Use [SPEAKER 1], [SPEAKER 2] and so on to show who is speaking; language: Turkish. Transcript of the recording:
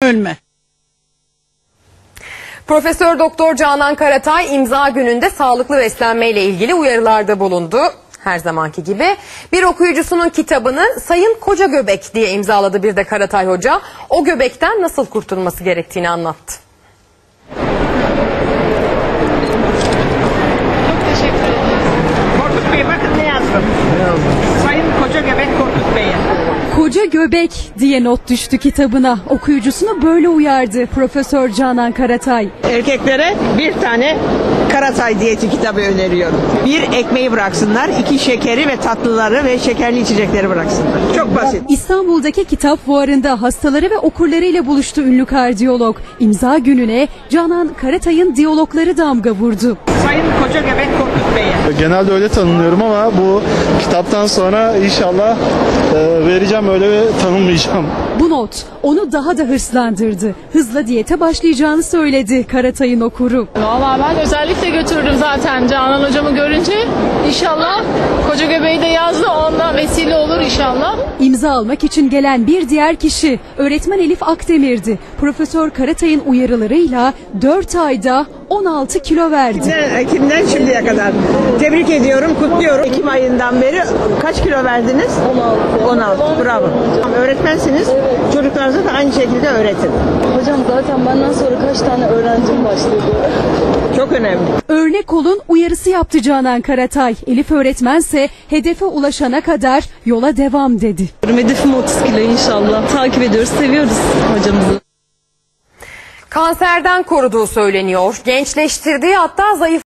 [SPEAKER 1] Ölme.
[SPEAKER 2] Profesör Doktor Canan Karatay imza gününde sağlıklı beslenmeyle ilgili uyarılarda bulundu. Her zamanki gibi bir okuyucusunun kitabını Sayın Koca Göbek diye imzaladı bir de Karatay Hoca. O göbekten nasıl kurtulması gerektiğini anlattı.
[SPEAKER 3] Çok teşekkür ederim. Korkut Bey bakın ne yazdım. Sayın Koca Göbek Korkut Bey'e.
[SPEAKER 4] Koca Göbek diye not düştü kitabına. Okuyucusunu böyle uyardı Profesör Canan Karatay.
[SPEAKER 5] Erkeklere bir tane Karatay diyeti kitabı öneriyorum. Bir, ekmeği bıraksınlar. İki, şekeri ve tatlıları ve şekerli içecekleri bıraksınlar. Çok basit.
[SPEAKER 4] İstanbul'daki kitap fuarında hastaları ve okurlarıyla buluştu ünlü kardiyolog. İmza gününe Canan Karatay'ın diyalogları damga vurdu.
[SPEAKER 3] Sayın Koca Göbek Korkut Bey'e.
[SPEAKER 6] Genelde öyle tanımlıyorum ama bu kitaptan sonra inşallah vereceğim, öyle tanımlayacağım.
[SPEAKER 4] Bu not onu daha da hırslandırdı. Hızla diyete başlayacağını söyledi Karatay'ın okuru.
[SPEAKER 7] Vallahi ben özellikle götürdüm zaten Canan hocamı görünce. İnşallah Koca Göbeği de yazdı, ondan vesile olur inşallah.
[SPEAKER 4] İmza almak için gelen bir diğer kişi öğretmen Elif Akdemir'di. Profesör Karatay'ın uyarılarıyla 4 ayda 16 kilo verdi.
[SPEAKER 5] Ekim'den şimdiye kadar. Tebrik ediyorum, kutluyorum. Ekim ayından beri kaç kilo verdiniz? 16. Bravo. Öğretmensiniz. Çocuklarınıza da aynı şekilde öğretin.
[SPEAKER 8] Hocam zaten benden sonra kaç tane öğrencim başladı.
[SPEAKER 5] Çok önemli.
[SPEAKER 4] Örnek olun uyarısı yaptı Canan Karatay. Elif öğretmense hedefe ulaşana kadar yola devam dedi.
[SPEAKER 8] Hedefim 30 kilo inşallah. Takip ediyoruz, seviyoruz hocamızı.
[SPEAKER 2] Kanserden koruduğu söyleniyor. Gençleştirdiği, hatta zayıf